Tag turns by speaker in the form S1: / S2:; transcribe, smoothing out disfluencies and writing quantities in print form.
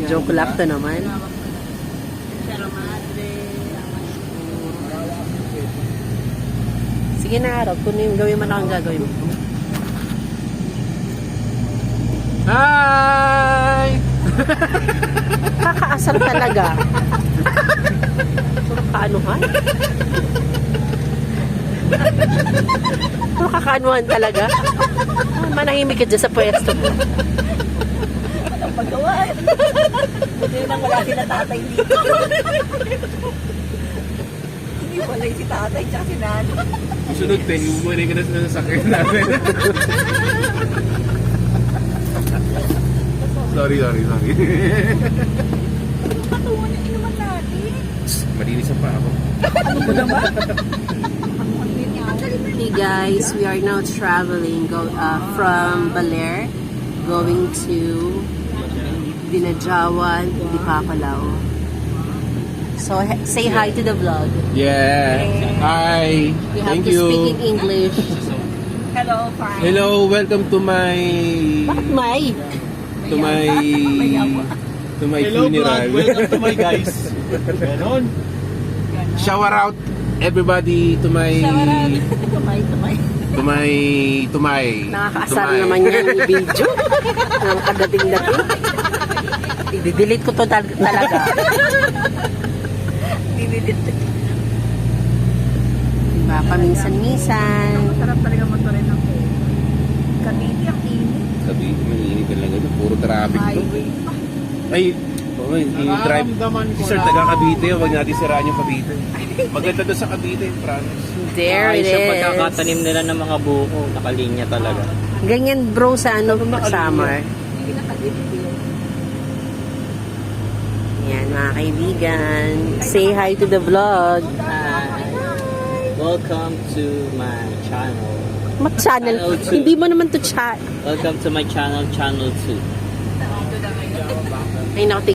S1: Joke lang to naman. Sige na, Rob. Kung yung gawin man akong gagawin mo.
S2: Hi!
S1: Kakaasar talaga. Puro kaanuhan. Puro kakaanuhan talaga. Manahimik ka dyan sa pwesto mo.
S3: Ang paggawa. Buti nang wala sila tatay dito. Hindi wala si tatay tsaka si nanay.
S2: Sunod, umuwi ka na sa sasakyan namin. Sorry.
S3: Patungo niya inuman natin.
S2: Malinis ang pa ako.
S3: Ano mo naman?
S1: Hey guys, we are now traveling from Baler going to Dinajawan, Dipapalao. So say hi to the vlog.
S2: Yeah. Hi.
S1: You have
S2: Thank
S1: to
S2: you.
S1: speak in English.
S3: Hello, fine.
S2: Hello, welcome to my
S1: Bakit may?
S2: Hello, funeral.
S4: Welcome to my guys. Ganon.
S2: Shower out everybody to my
S1: Nakakaasar naman yan yung video. Nang kadating-dating. I-delete ko to talaga. Diba? Paminsan-minsan.
S3: Masarap talaga motorin ng Cavite ang init.
S2: Sabi, mainit talaga. Puro traffic to.
S3: Highway pa.
S2: Ay, yung drive.
S4: Nararamdaman ko
S2: Sir,
S4: na.
S2: taga Cavite. Huwag natin siraan yung Cavite. Maganda doon sa Cavite, promise.
S1: There it
S4: Ayos yung
S1: is.
S4: pagkakatanim nila ng mga buko. Nakalinya talaga.
S1: Ganyan bro sa summer.
S3: Hindi nakadipil.
S1: Yan mga kaibigan. Say hi to the vlog.
S4: Welcome to my channel.
S1: Mag-channel.
S4: Channel two.
S1: Hindi mo naman to chat.
S4: Welcome to my channel, Channel 2.
S1: Ay naku,